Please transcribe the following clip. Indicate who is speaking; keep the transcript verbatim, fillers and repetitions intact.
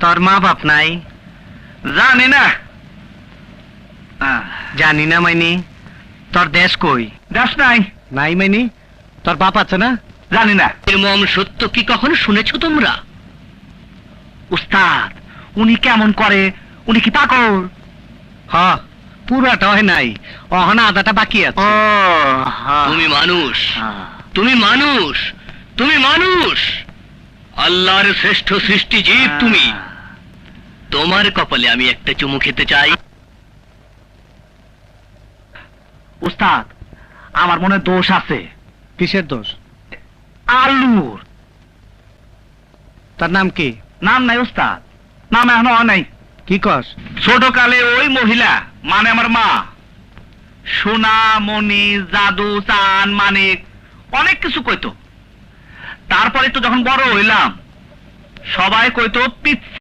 Speaker 1: তোর মা বাপ নাই?
Speaker 2: জানি না।
Speaker 1: জানি না মাইনি। তোর দেশ কই?
Speaker 2: দেশ নাই।
Speaker 1: নাই মাইনি? তোর বাপ আছে না?
Speaker 2: জানি না।
Speaker 3: এর মম সত্য কি কখনো শুনেছো তোমরা?
Speaker 2: উস্তাদ, উনি কেমন করে? উনি কি পাগল?
Speaker 1: হ, পুরাটা হয় নাই, অহনা আদাটা বাকি আছে।
Speaker 3: তুমি মানুষ, তুমি মানুষ, তুমি মানুষ, আল্লাহর শ্রেষ্ঠ সৃষ্টি জীব তুমি। তোমার কপালে আমি একটা চুমু খেতে চাই।
Speaker 2: উস্তাদ, আমার মনে দোষ আছে।
Speaker 1: কিসের দোষ?
Speaker 2: আলুর।
Speaker 1: তার নাম কি?
Speaker 2: নাম নাই উস্তাদ, নাম এখনো হয় নাই।
Speaker 1: কি কস?
Speaker 2: ছোট কালে ওই মহিলা মানে আমার মা সোনা মণি জাদু চান মানিক অনেক কিছু কইতো। তারপরে তো যখন বড় হইলাম সবাই কইতো পিচ্ছি।